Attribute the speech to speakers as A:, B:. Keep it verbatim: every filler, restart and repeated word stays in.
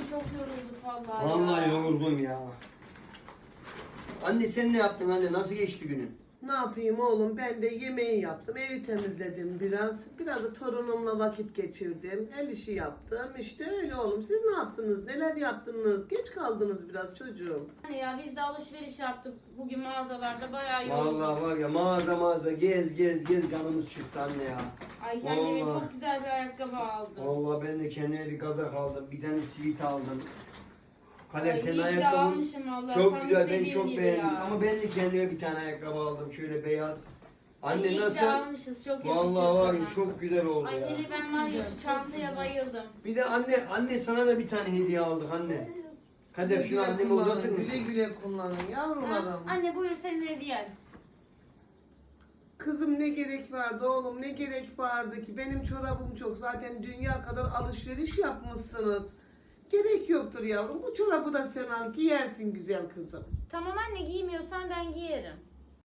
A: çok yorulduk vallahi.
B: Vallahi
A: ya.
B: yoruldum ya. Anne sen ne yaptın anne? Nasıl geçti günün?
C: Ne yapayım oğlum, ben de yemeği yaptım, evi temizledim biraz. Biraz da torunumla vakit geçirdim, el işi yaptım. İşte öyle oğlum. Siz ne yaptınız? Neler yaptınız? Geç kaldınız biraz çocuğum.
A: Hani ya biz de alışveriş yaptık bugün mağazalarda bayağı yorulduk.
B: Vallahi var ya mağaza mağaza gez gez gez canımız çıktı anne ya.
A: Ay kendime
B: Vallahi.
A: çok güzel bir ayakkabı aldım.
B: Vallahi ben de kendime bir kazak aldım. Bir tane sivit aldım. Kader
A: Ay,
B: senin
A: iyi ki
B: ayakkabın
A: almışım vallahi,
B: çok
A: tam
B: güzel. Ben
A: istediğim
B: çok
A: gibi
B: beğendim.
A: ya.
B: Ama ben de kendime bir tane ayakkabı aldım. Şöyle beyaz. Anne
A: Ay, iyi
B: nasıl?
A: ki almışız, çok yakışır
B: Vallahi var ya
A: sana.
B: çok güzel oldu
A: Ay
B: ya.
A: hele ben var ya şu çantaya bayıldım.
B: Bir de anne anne sana da bir tane hediye aldık anne. Kader şunu anneme
C: kullanın,
B: uzatır mısın?
C: güle güle kullanın
A: Ha?
C: yavrularım.
A: Anne buyur senin hediyen.
C: Kızım ne gerek vardı oğlum, ne gerek vardı ki? Benim çorabım çok, zaten dünya kadar alışveriş yapmışsınız. Gerek yoktur yavrum, bu çorabı da sen al, giyersin güzel kızım.
A: Tamam anne, giymiyorsan ben giyerim.